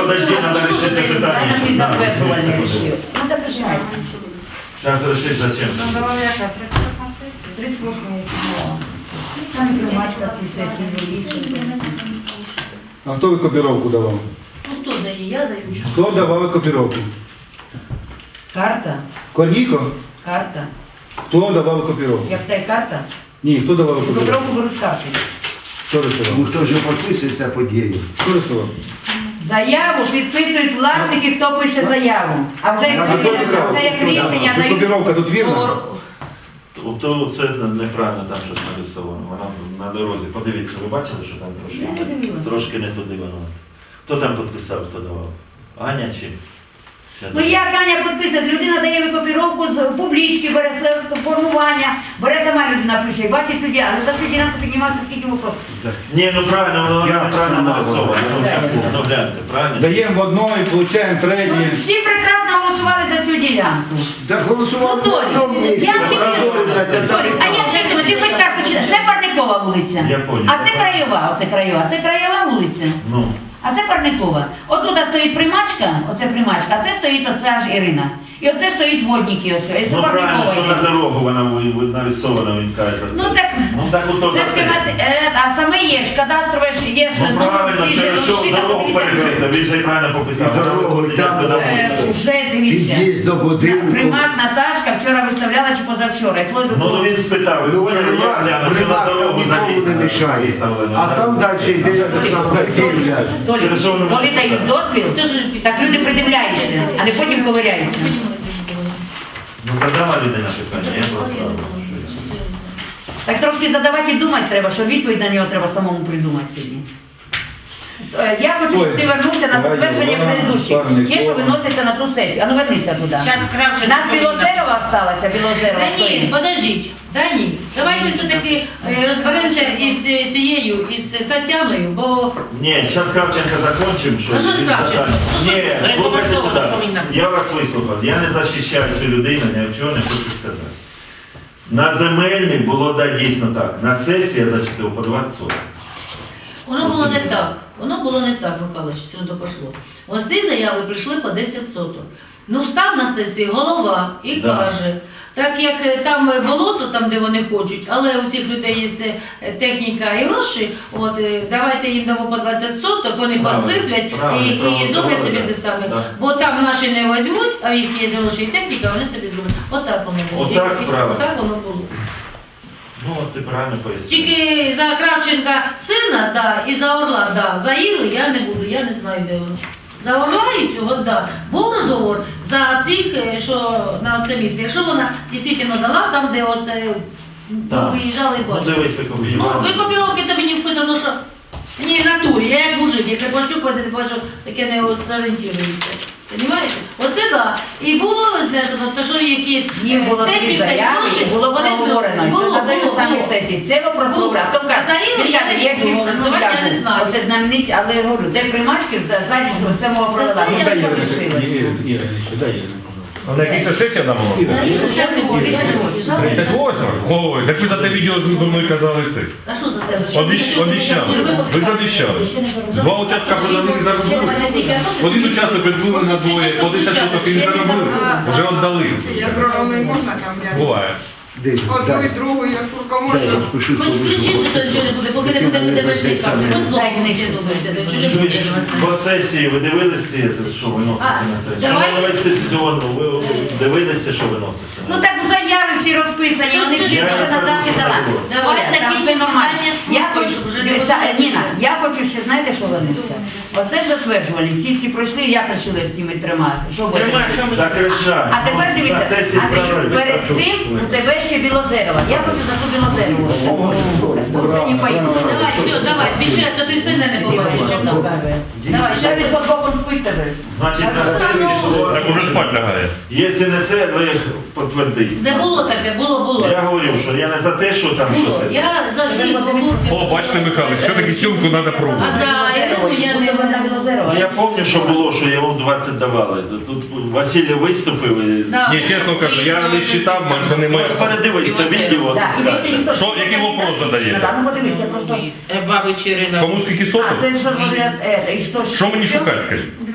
подожди, треба вирішити це питання. Правильно, і затверджувальний рішив. Ну так рішайте. Зараз вирішити зачем. 38 там і примачка ці сесії вирішили. А хто ви копіровку давав? Ну хто дає? Я даю. Хто давав копіровку? Карта, Корніко? карта. Хто давав копіровку? Як та карта, Ні, хто давав копіровку? копіровку беру з карти. Хто рисував? Ну хто ж підписується подією? Хто рисував? Заяву підписують власники, хто пише заяву. А вже як рішення дають. Копіровка тут вірна? То це неправильно там щось нарисовано. Вона на дорозі. Подивіться, ви бачили, що там трошки не туди воно. Хто там підписав, хто давав? Аня чи? Ну як Аня підписує, людина дає викопіровку з публічки, бере формування, бере сама людина пише і бачить суддя, але за цю ділянку піднімається скільки вопросів. Ні, ну правильно, воно неправильно нарисовано. Ну гляньте, правильно? Даємо в одної, получаємо третє. Всі прекрасно голосували за цю ділянку. Так голосували Ну, в одному Толі, місці. як ти Толі, а як ти думаєш, ти хоч карту читаєш? Це Парникова вулиця. Я понял. А це Краєва, оце Краєва. Це Краєва вулиця. Ну. А це Парникова. Отут стоїть примачка, оце примачка, а це стоїть оця ж Ірина. І оце стоїть водники ось. І це Ну правильно, що на Парникова. дорогу вона нарисована, він каже за це. Ну так, ото це за це. а саме є ж, кадастрове ж є ж. Ну правильно, через що дорогу перекрито, він же й правильно попитав. І дорогу, і там, Вже дивіться. Під'їзд до будинку. Примат Наташка вчора виставляла чи позавчора. І вплоть до Ну того- він спитав, ви поняли, я гляну, що на дорогу нікому не мішає. А там далі йде автомобіль. Коли дають дозвіл, так люди придивляються, а не потім ковиряються. Ну задала людина питання, я правда. Так трошки задавати і думати треба, що відповідь на нього треба самому придумати тоді. Я хочу, щоб ти вернувся на затвердження предыдущих. Ті, що виносяться на ту сесію. А ну вернися туди. Зараз Кравченко. Нас Білозерова осталася, Білозерова Та ні, стоїть. подождіть, та ні. Давайте все-таки розберемося із цією, із Тетяною, бо Ні, зараз Кравченко закончимо. А що з Кравченко? Ні, слухайте сюди. Я вас вислухав. Я не захищаю цю людину, ні в чого не хочу сказати. На земельній було, да, дійсно так. На сесії я зачитав по 20 соток. воно було не так. Воно було не так, Михайлович, сюди пошло. Ось ці заяви прийшли по 10 соток. Ну, став на сесії голова і Да. каже, так як там болото, там де вони хочуть, але у цих людей є техніка і гроші, от давайте їм дамо по 20 соток, вони Правильно, підсиплять правильно, і правильно, зроблять собі правильно. те саме. Да. Бо там наші не візьмуть, а в їх є гроші і техніка, вони собі зроблять. Отак воно було. Отак, правильно. Отак воно було. Ну, от ти правильно пояснив. Тільки за Кравченка сина, да, і за Орла, да. За Іру я не буду, я не знаю, де воно. За Орла і цього, да. Був розговор за цих, що на це місце. Якщо вона дійсно дала там, де оце Так. виїжджали і Ну, бачили. дивись, ви Ну, копіювали. викопіровки тобі не вказано, що ні, натурі, я як мужик, як я пощупати, не бачу, таке не зорієнтується. Понимаєте? Оце так. І було знесено, то що якісь Їм було дві техніка і заяви, гроші, було вони проговорено. І було, це на той самій було. сесії. Це вопрос Було. добре. А хто каже, За Іру він я каже, не є всі буду голосувати, я не знаю. Оце ж нам не, але я говорю, де примачки, ззаді, що це мова провела. Це Ну, я так не лишилось. А на якій це сесія там була? За Іру ще не було, я не буду. 38? Ой, так ви за те відео зі мною казали це. А що за тебе? Обіщали. Ви ж обіщали. Два участка продали і заробили. Один участок відбули на двоє, по 10 соток і не заробили. Вже віддали. Я зробила не можна там, я Буває. Десь, одну і другу, я шурка дай, можу. розпиши Хоч включити, то нічого не буде, поки не буде перший карти. Хоч Дай знову книжку. не добився, то нічого не буде. По сесії ви дивилися, що виноситься на сесію? давайте. Що інвестиційну, ви дивилися, що виноситься? Ну так заяви всі розписані, вони всі Я вже не надати кажу, дала. що Давайте Там якісь все нормально. питання Я слухаю, хочу, щоб вже не Ніна, я хочу ще, знаєте, що вернеться? Оце ж затверджували, всі ці пройшли, як рішили з цими трьома? Що буде? Так решаємо. А тепер На дивіться, сесії а зробили. перед цим у тебе ще Білозерова. Я хочу за ту Білозерову. Це не поїду. Давай, все, давай, більше, то ти сина не побачиш. чим там. Давай, Зараз зараз він під боком спить тебе. Значить, на сесії, що Так уже спать лягає. якщо не це, ви підтвердіть. Не було таке, було. Я говорю, що я не за те, що там Було. щось. Я за ці О, бачите, Михайло, все-таки сьомку треба А пробувати. за Ірину я не Я пам'ятаю, що було, що йому 20 давали. Тут Василь виступив і... Да. Ні, чесно кажу, я не вважав, мене немає. Ось передивись, то відео. Так, от тобі це. ще ніхто- Що, який вопрос задаєте? Ну подивися, просто... Кому скільки А, соток? це ж що, і що? Що мені шукати, скажіть?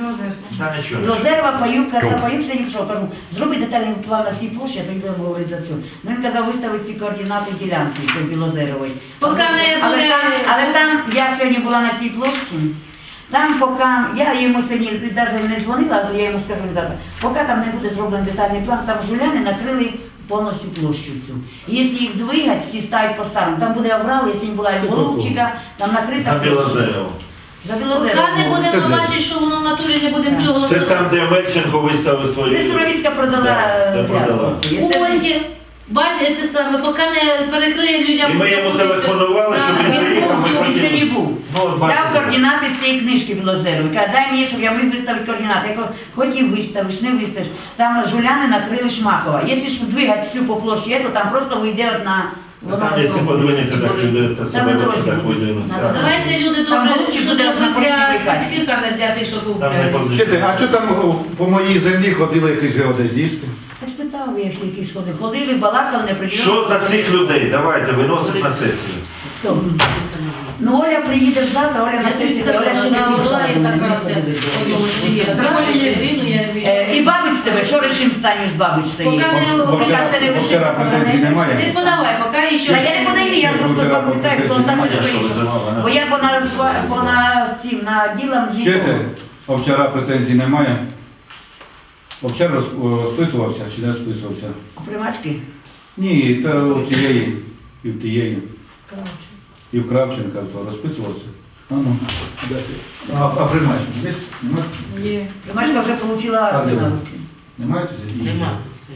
Та нічого. Лозерова, Паюк, казав, Паюк сидів, що кажу, зроби детальний план на всій площі, а тоді будемо говорити за цю. Ну він казав, виставити ці координати ділянки, той Білозерової. Поки не буде- Але там, я сьогодні була на цій площі, там поки, я йому сьогодні навіть не дзвонила, але я йому скажу завтра, поки там не буде зроблений детальний план, там жуляни накрили повністю площу цю. І якщо їх двигати, всі ставить по-старому, там буде оврал, якщо не була Голубчика, там накрита За Білозерово. За Поки Білозерову. не будемо бачити, що воно в натурі не будемо нічого Це голосувати. там, де Мельченко виставив свої. Де Суровіцька продала Де продала. взятку. У Ольді, бачите саме, поки не перекриє людям. І ми йому телефонували, щоб він приїхав, ми Він хотіли. сьогодні був. Ну, от Взяв бачите. координати з цієї книжки Білозерової. Каже, дай мені, щоб я міг виставити координати. Я кажу, хоч і виставиш, не виставиш. Там жуляни накрили Шмакова. Якщо ж двигати всю по площі, то там просто вийде на... Там, якщо подвинете, так люди та себе дорозі так буде. видвинуть. Надо Так. Давайте люди Там добре, голубчик що буде зробити на для порожній сільських, а не для тих, що Там не купляють. подвинуть. Чуєте, а що там по моїй землі ходили якісь геодезісти? Я спитав, я всі якісь ходили. Ходили, балакали, не приділи. Що за цих людей? Давайте, виносимо на сесію. Хто? Ну, Оля приїде завтра, Оля на Я тобі сесії, сказала, Оля ще вона не прийшла. Оля і тому не Сакрація. приходить. І І бабич тебе, що решим станю з бабич стоїть? Поки не- Поки це не Вчора вирішиться, претензій поки немає. Не подавай, поки ще. Та я не подаю, я просто пам'ятаю, хто там Я що стоїть. визивала, Бо я на ділам Чуєте, жінок. а вчора претензій немає? Вчора розписувався чи не розписувався? Примачки? Ні, та у цієї, і в тієї, і в Кравченка то розписувався. А ну, дайте. А примачки є? Немає? Є. Примачка вже отримала А, де на ви? руки. Немає? Нема.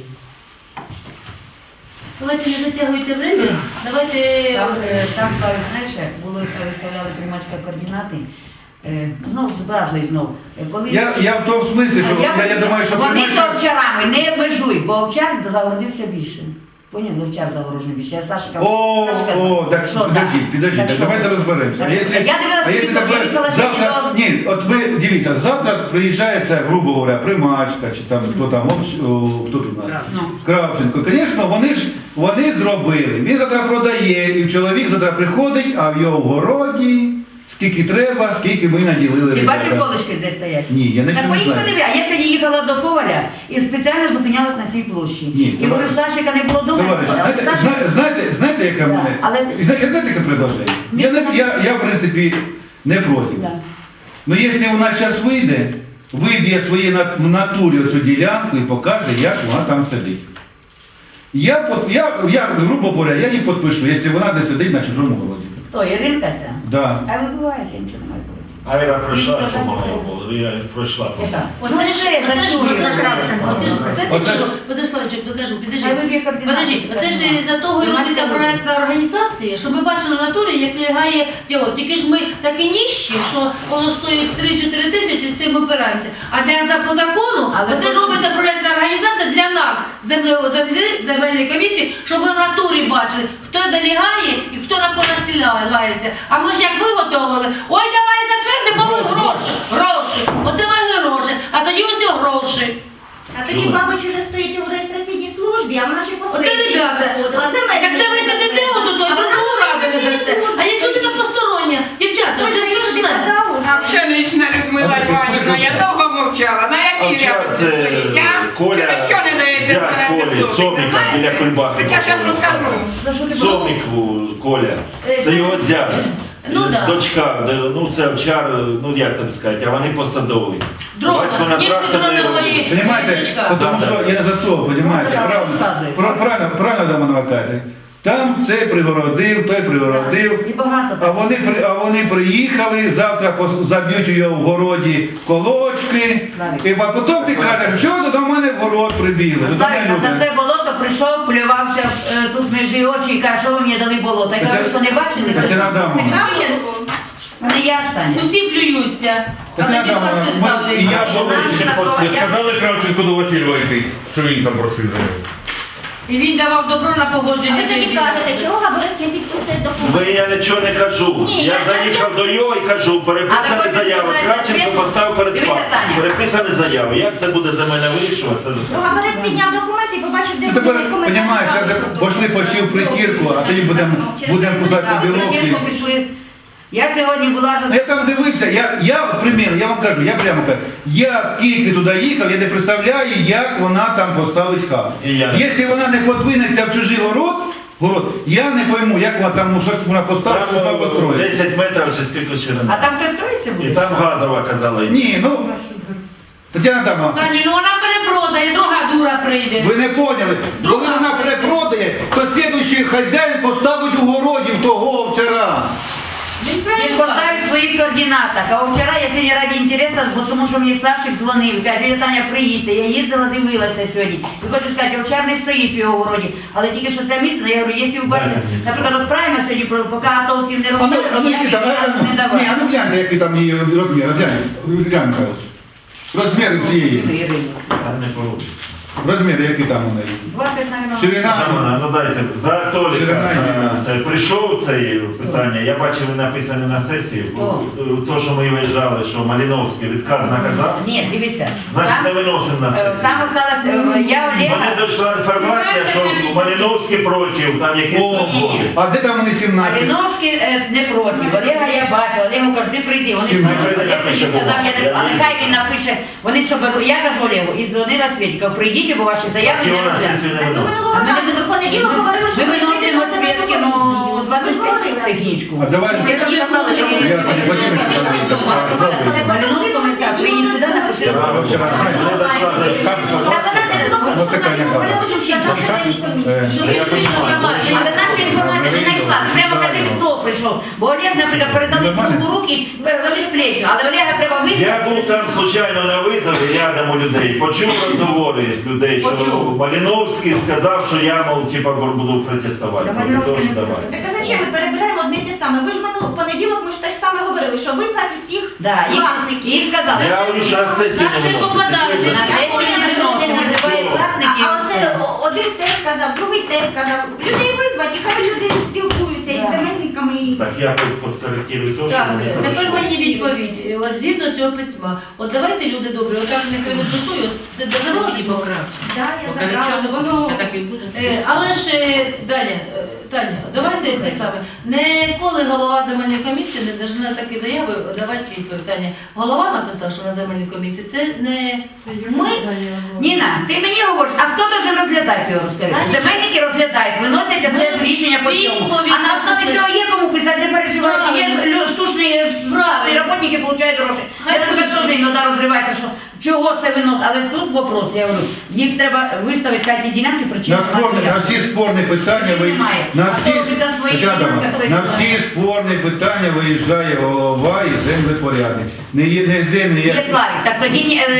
Давайте не затягуйте время. Давайте. Там ставить, знаєш, як було, виставляли примачка координати. Знов з базою знов. Коли... Я в тому смислі, що я думаю, що Вони з примачка... овчарами не обмежуй, бо овчар загородився більше. Поняв, овчар загорожений більше. Я Сашка. Так, що, підождіть, Так так що? давайте розберемося. Так, Якщо- я дивилася а якщо відео, тепер я їхала завтра, сьогодні ні, от ви дивіться, завтра приїжджає це, грубо говоря, примачка, чи там, хто там, хто тут у нас? Ну. Кравченко. Звісно, вони зробили. Він завтра продає, і чоловік завтра приходить, а в його городі скільки треба, скільки ми наділили. Ти бачив, ребята. колишки де стоять? Ні, я Так нічого не поїхали, знаю. а я сьогодні їхала до Коваля і спеціально зупинялась на цій площі. Ні, І говорю, Сашика не було вдома. Товариш, знаєте, яке в Да, мене? але- Знаєте, яке предложення? Я, в принципі, не проти. Да. Ну, якщо у нас зараз вийде, виб'є свої в натурі цю ділянку і покаже, як вона там сидить. Я грубо говоря, я її підпишу, якщо вона десь сидить на чужому городі. Хто, Іринка ця? Да. А ви буваєте, я нічого не маю проти. Айра пройшла, що могла було. Я пройшла. Яка? Оце Ну, ж, це оце ж, зачує, оце ж, Кравченко. оце ж, Оце ж- Подославчик, докажу, Хай підожди. виб'є координати. Подожди, оце ж із-за того і робиться Примачка проєктна організація, щоб ми бачили в натурі, як лягає тіло. Тільки ж ми такі ніщі, що воно стоїть 3-4 тисячі, з цим опираємося. А по закону, Але оце просто- робиться проєктна організація для нас, земельної комісії, щоб ми в натурі бачили, хто де лягає і хто на кого лається. А ми ж як виготовили, ой, давай затвердимо ми гроші, гроші, оце мали гроші, а тоді ось і гроші. А тоді бабич уже стоїть у реєстраційній службі, а вона ще по Оце, сесії ребята, проходила. Земельні як це ви сидите служби. отут, то А вона другу ж раду не дасте. А як людина постороння, дівчата, це страшне. А пшенична Людмила Іванівна, я довго мовчала. На якій Овчар це Коля, Ти що не даєте зять мене Колі, це Собіка біля Кульбаки. Так я зараз розкажу. За що ти Собік Коля, це його зять. Ну, да. Дочка, ну це овчар, ну як тобі сказати, а вони посадові. Дрона, Батько на ні, тракторі дрона робить. твої. Понимаете, Дочка. потому Да, что да. я за то, понимаете, правильно до мене кажете. Там цей пригородив, той пригородив. І багато. А вони приїхали, завтра заб'ють у його в городі колочки, Славік. а потім ти кажеш, що ви до мене в город прибігли. До мене Славік, за люди. це болото прийшов, плювався тут між її очі і каже, що ви мені дали болото. Я кажу, що не бачили? Тетяна Адамовна. Кравченко. Не я ж Таня. Усі плюються, а Тетяна тоді Адамовна, це і ставлять. я Що ви ще Ви сказали Кравченко до Васильова йти, що він там просив за нього? І він давав добро на А погодження. ви тоді кажете, чого Габрис не підписує документ? Я нічого не кажу. Ні, Я я- заїхав до його і кажу, переписані Але заяви. потім Кравченко сказати, поставив перед дивіться, фактом. Таня. Переписані заяви. Як це буде за мене вирішувати? Це Ну, Габрис підняв документ і побачив, де Ну, тепер, вони коментарі. розумієш, пошли почив притірку, а тоді будемо кусати білок. Притірку пішли. Я сьогодні була Я там дивився, от, примір, я вам кажу, я прямо кажу, я скільки туди їхав, я не представляю, як вона там поставить хату. І я не- Якщо вона не подвинеться в чужий город, я не пойму, як вона там щось вона поставить, що вона Там построїть. 10 метрів чи скільки ширина. А там хтось строїться І буде? там газова казала. Ні, ну, Тетяна Адамовна, Та ні, ну вона перепродає, друга дура прийде. ви не поняли, коли вона перепродає, то слідуючий хазяїн поставить у городі в того овчара. Він Він правильно поставить в своїх координатах. А вчора я сьогодні раді інтересу, бо тому що мені Сашик дзвонив, каже, Таня, приїдьте. Я їздила, дивилася сьогодні. І хочу сказати, овчар не стоїть в його городі. Але тільки що це місце, я говорю, якщо ви бачите, наприклад, от правильно сьогодні, поки атовців не А ну, розставили, ну, ніяких Нікіта, газу не ні, давали. а ну гляньте, який там її розмір, глянь, Михайлович. Розміри цієї, Там не получиться. розміри, які там у неї. 20, мабуть. Ширина. Ну дайте, за Толіка Ширина йде. це прийшов це питання, я бачив написане на сесії, то, що ми виїжджали, що Маліновський відказ наказав, Ні, дивіться. значить не Там, виносимо на сесію. там осталось, я Олега... Мене дійшла інформація, що Маліновський проти, там якісь угоди. А де там вони 17? Малиновський не проти. Олега я бачила, Олегу кажу, ти прийди. Вони Сім проти. метрів Олег мені напише сказав, бумагу. а нехай він напише, вони що беруть. Я кажу Олегу, і дзвонила Світі, кажу, прийдіть, бо ваші заяви І не вона розглянуть. сесію не Так ми виносить. минулого А ми разу в понеділок говорили, що Ми виносимо на Свідки, комісію. ну, Ви 25 технічку. А давай. Я кажу, сказала, що ви Я Владимир Олександрович, Малиновському сказав, приїдь сюди, напиши. Правильно, вчора не дійшла за Ось така яка. Але наша інформація не знайшла. Прямо кажи, хто прийшов. Бо Олег, наприклад, передали в руки, передали сплетню. Але Олега треба Я визнати. був там случайно на визові рядом у людей, почув розговори людей, що Почув. Маліновський сказав, що я, мов, типа, буду протестувати. Та Проти того, Малиновський що не давай. Так а зачем ми перебираємо одне й те саме? Ви ж в понеділок ми ж те ж саме говорили, що визнати усіх Да, власників. їх сказали. Я говорю, що на сесію Нас не не виносить. попадають. Ти чуєш? На сесії не виносимо, називає власників. А оце один те сказав, другий те сказав. Людей визвати, хай люди спілкуються із Да. земельниками. І... Так я тут подкоректирую те, що Так, мені тепер пройшло. мені відповідь. От згідно цього письма. От давайте, люди добрі, отак не кривить душою, от даруй мені покрав. Да, я забрала, воно... Але ж далі, Таня, давайте те саме. Ніколи голова земельної комісії не должна такі заяви давати відповідь. Таня, голова написав, що на земельній комісії, це не ми. Ніна, ти мені говориш, а хто дуже розглядає його розкажи? Та нічого. Земельники розглядають, виносять а це ж рішення по цьому. Відповідь А на основі написати. цього є кому писати, не переживайте. Є Правильно. штучні Правильно. роботники, отримують гроші. Хай Я тебе пишуть. теж іноді розривається, що чого це винос. Але тут вопрос, я говорю, їх треба виставити хай ті ділянки, причини. На всі спорні питання Немає. на А всі, хто робить на своїй Тетяна Адамовна, ділянках, той на знає. всі спорні питання виїжджає голова і землепорядник. Не є не Є Славік, так тоді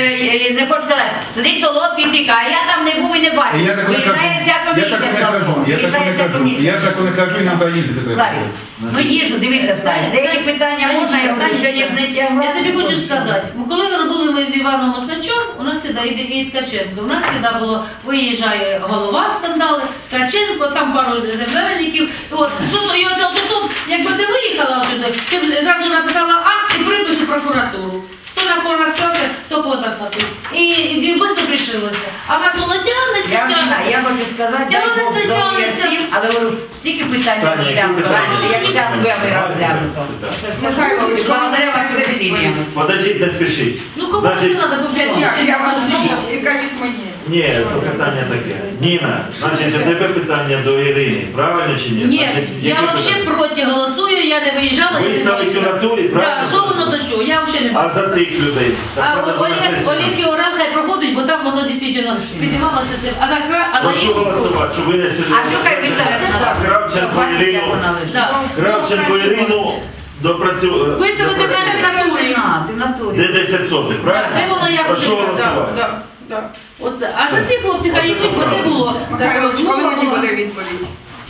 не хочу сказати, сидить солодкий тика, а я там не був і не бачив. Я так не кажу. Виїжджає вся Я комісія. так не Славко. кажу. Я так Виїжджає не вся кажу. комісія. Я так не кажу, і нам треба їздити. Славік, ну їжу, дивися, Славік, деякі питання можна, я говорю, сьогодні ж не тягла. Я тобі хочу сказати, коли ми робили ми з Іваном Осначом, у нас завжди йде і Ткаченко. У нас завжди було, виїжджає голова скандали, Ткаченко, там пару земельників. От, і от тут, якби ти виїхала отуди, ти б зразу написала акт і припис у прокуратуру. Хто на кого розказує, то поза хватив. І швидко пришилося. А в нас воно тягнеться, Я не знаю, тягнеться. я хочу сказати, дай Тягнеться, Бог здоров'я тягнеться. всім, але говорю, стільки питань Таня, розглянуто які раніше, як питання? зараз вами розглянуто. Михайлович, Благодаря вашим усилиям. Подождіть, не спішіть. Ну кому це Значить, треба Я вас повчати? і кажіть мені. ні, то питання таке. Ніна, значить, у тебе питання до Ірини, правильно чи ні? Ні, Значить, я які взагалі питання? проти голосую, я не виїжджала. я не Виставить у бачила. натурі, Так, правильно? що воно до чого? Я взагалі не А бачила. за тих людей? А Так, треба на сесію. Олег і Орел хай проходить, бо там воно дійсно підіймалося це. А за Прошу голосувати, щоб винесли. А що хай виставиться на А Кравченко Ірину, Да. Кравченко Ірину допрацювати. Виставити мене в натурі. Ти в натурі. Де 10 сотих, Де правильно? воно як Прошу буде? голосувати. Оце. А за ці хлопці хай йдуть, бо це було. Михайлович, коли мені Була. буде відповідь?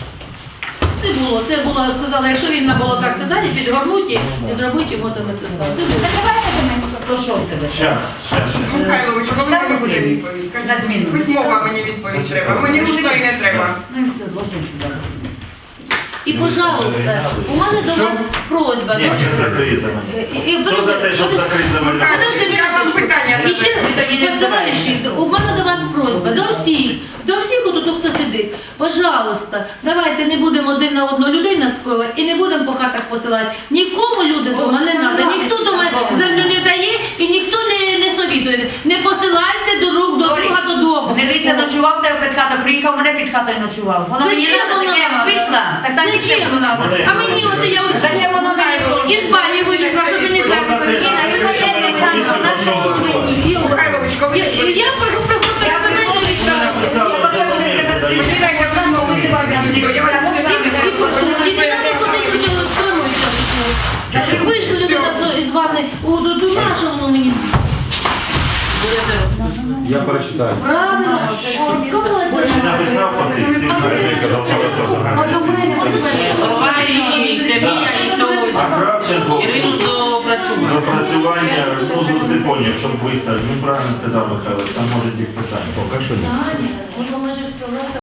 Це було, сказали, якщо він на болотах сідає, підгорнуть і зробить йому там те саме. Це було. То що в тебе? Щас. Михайлович, коли Штаб мені буде зміни. відповідь? Кажіть. На зміну. Письмова мені відповідь треба. Мені ручної не треба. Ну і все, зложи сюди. І, пожалуйста, у мене до вас просьба. Ні, це закриється. Хто за те, щоб закрити земельну? Михайлович, я вам питання І ще, задаю. Ви тоді не товариші, у мене до вас просьба, до всіх, отут, хто сидить. Пожалуйста, давайте не будемо один на одну людей наскоювати і не будемо по хатах посилати. Нікому люди дома не треба, ніхто дома землю не дає і ніхто не совітує. Не посилайте друг до друга додому. Гнилиця ночував тебе під хатою, приїхав мене під хатою ночував. Воно мені Зачем надо, воно таке надо? вийшла, так там Зачем воно надо? А мені оце я Зачем воно надо? із бані вилізла, щоб не Хто за те, щоб Ніна, ви ми хочете на сам, комісію на прошу голосувати? Михайлович, коли Я приходила Я за мене. Вийшли люди із ванни, до нашого воно мені. Я прочитаю. Правильно. Написав потрібно. А Кравченко допрацювання, ну, не поняв, щоб виставити. Він правильно сказав Михайло, там може бути питання. Поки що ні. Воно може все